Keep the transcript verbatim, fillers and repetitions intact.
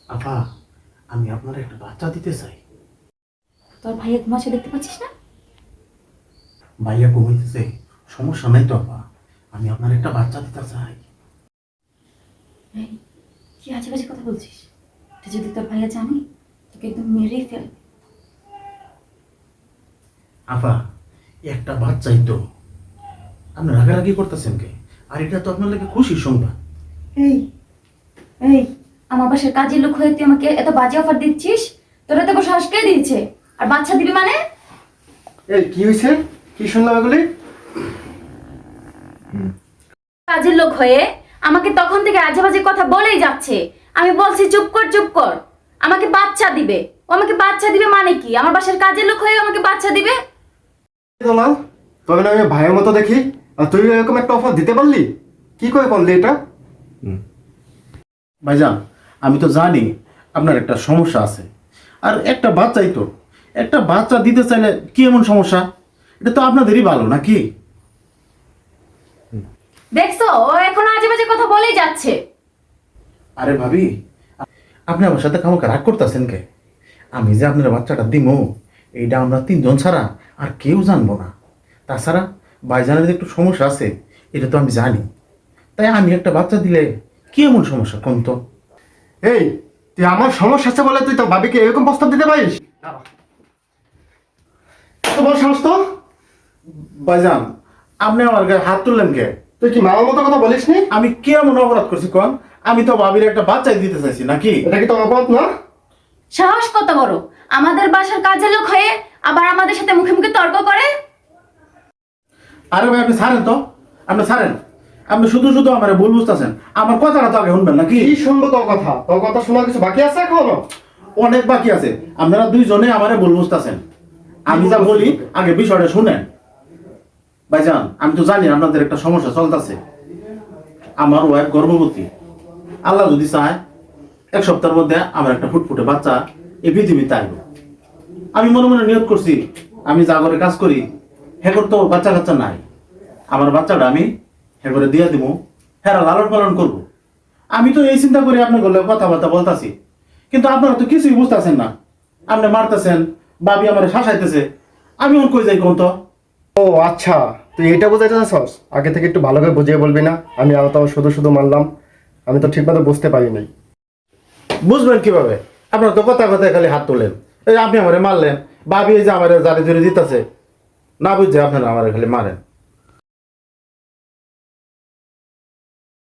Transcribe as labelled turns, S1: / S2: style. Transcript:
S1: আপা, আমি আপনার একটা বাচ্চা দিতে চাই।
S2: তোর ভাইয়া ঘুমাচ্ছে দেখতে পাচ্ছিস না?
S1: ভাইয়া ঘুমাইতেছে, সমস্যা নাই তো আপা। আমি আপনার একটা বাচ্চা দিতে চাই।
S2: এই, কি আজে বাজে কথা বলছিস? এটা যদি তোর ভাইয়া জানে তোকে একদম মেরেই ফেলবে।
S1: আপা, একটা বাচ্চাই তো, আপনি রাগারাগি করতেছেন কে? আর এটা তো আপনার লাগে খুশির সংবাদ।
S2: এই এই আমার বাসার কাজের লোক হয়ে তুই আমাকে এত বাজে অফার দিচ্ছিস? তোর এত বড় সাহস কে দিয়েছে? আর বাচ্চা দিবি মানে?
S3: এই কি হয়েছে? কি শুনলাম এগুলি?
S2: কাজের লোক হয়ে আমাকে তখন থেকে আজে বাজে কথা বলেই যাচ্ছে। আমি বলছি চুপ কর চুপ কর, আমাকে বাচ্চা দিবে। ও আমাকে বাচ্চা দিবে মানে কি? আমার বাসার কাজের লোক হয়ে আমাকে বাচ্চা দিবে?
S3: দোলাল, তবে না আমি ভাইয়ের মতো দেখি, আর তুই এরকম একটা অফার দিতে পারলি? কি করে পারলি এটা?
S1: ভাইজান, আমি তো জানি আপনার একটা সমস্যা আছে। আর একটা বাচ্চাই তো, একটা বাচ্চা দিতে চাইলে কি এমন সমস্যা? এটা তো আপনাদেরই ভালো নাকি?
S2: দেখছো, ও এখন আজে বাজে কথা বলেই যাচ্ছে।
S1: আরে ভাবি, আপনি আমার সাথে কামাকে রাগ করতেছেন কে? আমি যে আপনার বাচ্চাটা দিমু, এইটা আমরা তিনজন ছাড়া আর কেউ জানবো না। তাছাড়া ভাইজানের যে একটু সমস্যা আছে, এটা তো আমি জানি। তাই আমি একটা বাচ্চা দিলে কি এমন সমস্যা কোন তো?
S3: এই, তুই আমার সমস্যা আছে বলে তুই তো ভাবিকে এরকম প্রস্তাব দিতে পারিস? এত বড় সাহস তো?
S1: ভাইজান, আপনি আমার গায়ে হাত তুললেন কে?
S3: তুই কি মামার মতো কথা বলিস নি?
S1: আমি কি এমন অপরাধ করছি কোন? আমি তো ভাবির একটা বাচ্চাই দিতে চাইছি নাকি?
S3: এটা কি তোর অপরাধ না?
S2: সাহস কত বড়, আমাদের বাসার কাজের লোক হয়ে আবার আমাদের সাথে মুখে মুখে তর্ক করে।
S1: আরে ভাই, আপনি ছাড়েন তো, আপনি ছাড়েন। আপনি শুধু শুধু আমার ভুল বুঝতেছেন। আমার কথাটা তো আগে শুনবেন নাকি?
S3: কি শুনবো তোর কথা? তোর কথা শোনার কিছু বাকি আছে এখনো?
S1: অনেক বাকি আছে। আপনারা দুইজনে আমারে ভুল বুঝতেছেন। আমি যা বলি আগে বিষয়টা শুনেন। ভাইজান, আমি তো জানি আপনাদের একটা সমস্যা চলতেছে। আমার ওয়াইফ গর্ভবতী। আল্লাহ যদি চায় এক সপ্তাহের মধ্যে আমার একটা ফুটফুটে বাচ্চা এই পৃথিবীতে আসবে। আমি মনে মনে নিয়ত করছি, আমি যা করে কাজ করি হেগর তো বাচ্চা কাচ্চা নাই। আমার বাচ্চাটা আমি হেগরে দিয়ে দিব, হেরা লালন পালন করব। আমি তো এই চিন্তা করে আপনার গলে কথাবার্তা বলতাছি, কিন্তু আপনারা তো কিছুই বুঝতেছেন না। আপনি মারতেছেন, বাবি আমার শাসাইতেছে। আমি ওর কই যাই কোন তো?
S3: ও আচ্ছা, তুই এটা বোঝাইতে চাস? আগে থেকে একটু ভালো করে বুঝিয়ে বলবি না? আমি আর তাও শুধু শুধু মানলাম, আমি তো ঠিকমতো বুঝতে পারি নাই।
S1: বুঝবেন কিভাবে? আপনার তো কথা কথায় খালি হাত তোলেন। এই আপনি আমারে মারলেন, বাবি এই যে আমার জারি জুড়ে দিতেছে, না বুঝছে আপনারা আমার খালি মারেন।